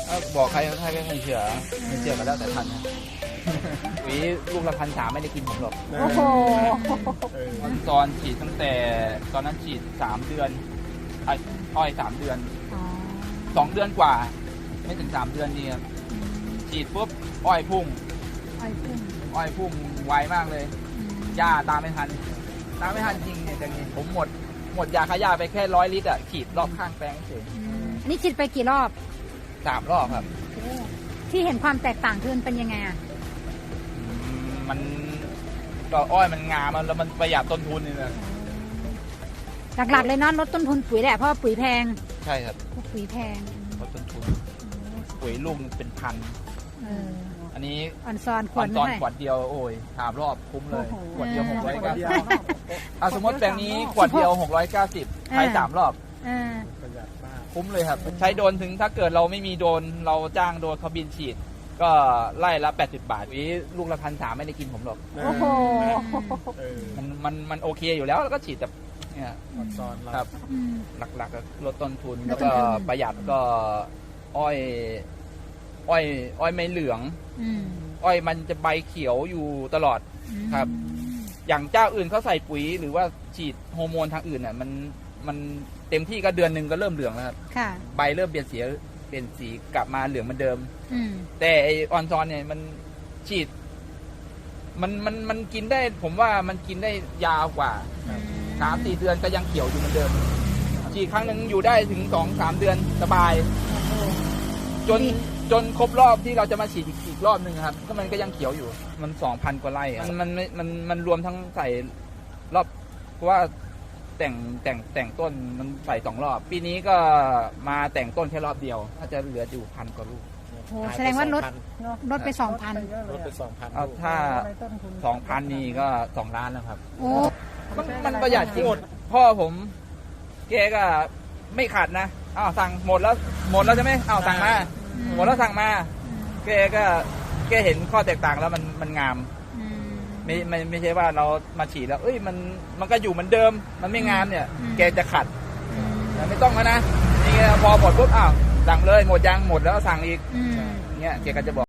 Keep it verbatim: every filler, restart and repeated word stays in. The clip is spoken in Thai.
บอกใครใครก็ไม่เชื่อไม่เชื่อกันแล้วแต่ทันนะหวีลูกละพันสามไม่ได้กินผมหรอกโอ้โหตอนฉีดตั้งแต่ตอนนั้นฉีดสามเดือนไอ้อ้อยสามเดือนอ๋อสองเดือนกว่า ไม่ถึงสามเดือนนี่ครับฉีดปุ๊บอ้อยพุ่งอ้อยพุ่งอ้อยพุ่งไวมากเลยอืมหญ้าตามไม่ทันตามไม่ทันจริงเนี่ยแต่นี่ผมหมดหมดยาฆ่าหญ้าไปแค่ร้อยลิตรอ่ะฉีดรอบข้างแปลงเฉยอืมอันนี้ฉีดไปกี่รอบสามรอบครับที่เห็นความแตกต่างคือมันเป็นยังไงอ่ะอืมมันก็อ้อยมันงามมันแล้วมันประหยัดต้นทุนนี่นะหลักๆเลยเนาะลดต้นทุนปุ๋ยแหละเพราะว่าปุ๋ยแพงใช่ครับพวกปุ๋ยแพงลดต้นทุนปุ๋ยลูกหนึ่งเป็นพันเอออันนี้ออนซอนขคว วดรนึตงอนให้ขวดเดียวโอ้ยสามรอบคุ้มเลยโอ้โหขวดเดียวหกร้อยเก้าสิบเดียวเอาสมมติแปลงนี้ขวดเดียวหกร้อยเก้าสิบใช้สามรอบเออประหยัดมากคุ้มเลยครับ ใช้โดรนถึงถ้าเกิดเราไม่มีโดรนเราจ้างโดรนเขาบินฉีด ก็ไล่ละแปดสิบบาทวิลูกละพันสามไม่ได้กินผมหรอกโอ้โหเออมันมันมันโอเคอยู่แล้วแล้วก็ฉีดแบบเนี่ยออนซอนเราครับอืมหลักๆก็ลดต้นทุนลแล้ดวต้นก็ทุนประหยัดก็อ้อย อ้อย อ้อยไม่เหลืองอืมอ้อยมันจะใบเขียวอยู่ตลอด ครับ อย่างเจ้าอื่นเขาใส่ปุ๋ยหรือว่าฉีดฮอร์โมนทางอื่นน่ะมันมันเต็มที่ก็เดือนหนึ่งก็เริ่มเหลืองแล้วครับค่ะใบเริ่มเปลี่ยนสีเปลี่ยนสีกลับมาเหลืองเหมือนเดิมอืมแต่ไอออนซอนเนี่ยมันฉีด มันมันมันกินได้ ผมว่ามันกินได้ยาวกว่าสามสี่เดือนก็ยังเขียวอยู่เหมือนเดิมฉีดครั้งหนึ่งอยู่ได้ถึงสองสามเดือนสบาย จนจนครบรอบที่เราจะมาฉีดอีกอีกรอบหนึ่งครับก็มันก็ยังเขียวอยู่ มันสองพันกว่าไร่อะมันมันมันมันมันรวมทั้งใส่รอบเพราะว่าแต่งแต่งแต่งต้นมันใส่สองรอบ ปีนี้ก็มาแต่งต้นแค่รอบเดียวถ้าจะเหลืออยู่พันกว่าลูกโอ้แสดงว่าลดลดไปสองพันลดไปสองพันเอาถ้าสองพันนี่ก็สองล้านแล้วครับโอ้มันมันประหยัดจริงพ่อผมแกก็ไม่ขาดนะอ้าวสั่งหมดแล้วหมดแล้วใช่ไหมอ้าวสั่งมาหมดแล้วสั่งมาแกก็แกเห็นข้อแตกต่างแล้วมันมันงามอืมไม่ไม่ไม่ใช่ว่าเรามาฉีดแล้วเอ้ยมันมันก็อยู่เหมือนเดิม มันไม่งามเนี่ยอืมแกจะขัดอืมแต่ไม่ต้องแล้วนะนี่ไงพอหมดปุ๊บอ้าวสั่งเลยหมดยังหมดแล้วสั่งอีกอืมเนี่ยแกก็จะบอก